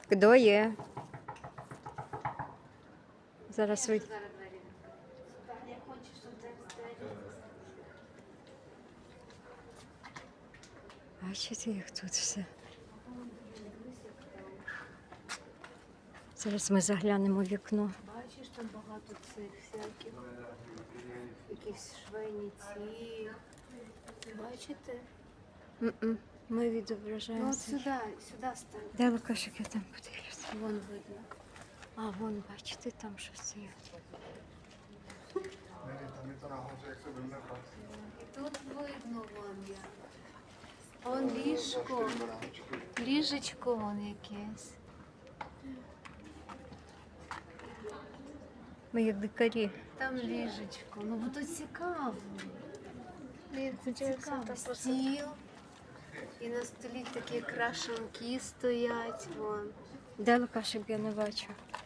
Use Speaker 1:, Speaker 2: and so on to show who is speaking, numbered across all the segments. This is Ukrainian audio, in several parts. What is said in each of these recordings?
Speaker 1: Хто є? Зараз ви. Бачите, як тут все. Зараз ми заглянемо в вікно.
Speaker 2: Бачиш, там багато цих всяких, якісь швейні ці. Бачите?
Speaker 1: Ми
Speaker 2: Ну
Speaker 1: відображаємо.
Speaker 2: от сюди стань.
Speaker 1: Де Лукашик, я там подивлюся.
Speaker 2: Вон видно.
Speaker 1: А, вон, бачите, там щось є.
Speaker 2: І тут видно вон я. Вон ліжко. Ліжечко вон якесь.
Speaker 1: Ми як дикарі.
Speaker 2: Там ліжечко. Ну бо тут цікаво. Це цікаво. Стіл. І на столі такі крашенки стоять. Вон.
Speaker 1: Де Лукашик, я не бачу.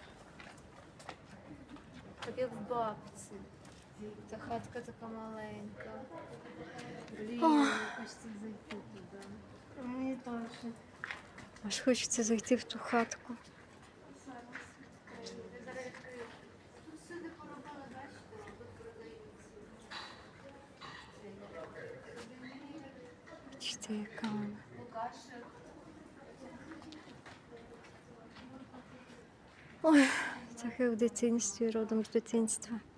Speaker 2: Так як в бабці. Та хатка така маленька. Блін, хочеться зайти туди. Мені теж.
Speaker 1: Аж хочеться зайти в ту хатку.
Speaker 2: Сюди поробили, бачите, тут продаються.
Speaker 1: Бачите, яка вона.
Speaker 2: Лукашик.
Speaker 1: Ой, так як в дитинстві, родом з дитинства.